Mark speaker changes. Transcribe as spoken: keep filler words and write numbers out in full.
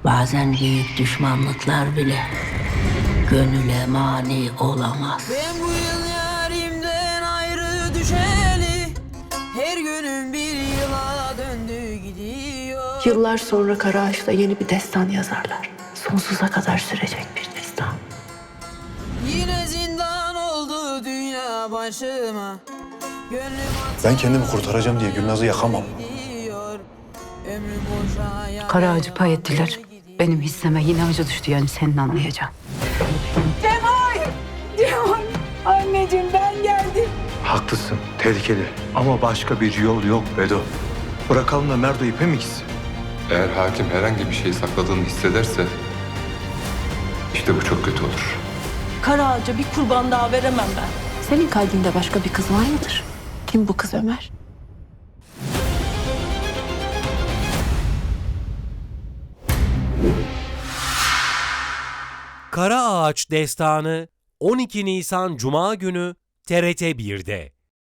Speaker 1: Bazen büyük düşmanlıklar bile gönüle mani olamaz.
Speaker 2: Ben bu yıl yarimden ayrı düşeli, her günüm bir yıla döndü gidiyor.
Speaker 3: Yıllar sonra Karaağaç'ta yeni bir destan yazarlar. Sonsuza kadar sürecek bir destan.
Speaker 2: Yine zindan oldu dünya başıma. Gönlüm
Speaker 4: Ben kendimi kurtaracağım diye Gülnaz'ı yakamam.
Speaker 2: gidiyor. Ömrüm boşa yana
Speaker 3: Karaağaç'ı pay ettiler.
Speaker 2: gidiyor.
Speaker 3: Benim hisseme yine acı düştü, yani senin anlayacağın.
Speaker 4: Haklısın, tehlikeli. Ama başka bir yol yok Bedo. Bırakalım da Merdo ipe mi gitsin?
Speaker 5: Eğer hakim herhangi bir şey sakladığını hissederse işte bu çok kötü olur.
Speaker 6: Karaağaç'a bir kurban daha veremem ben.
Speaker 3: Senin kalbinde başka bir kız var mıdır? Kim bu kız Ömer?
Speaker 7: Kara Ağaç Destanı on iki Nisan Cuma günü T R T bir'de.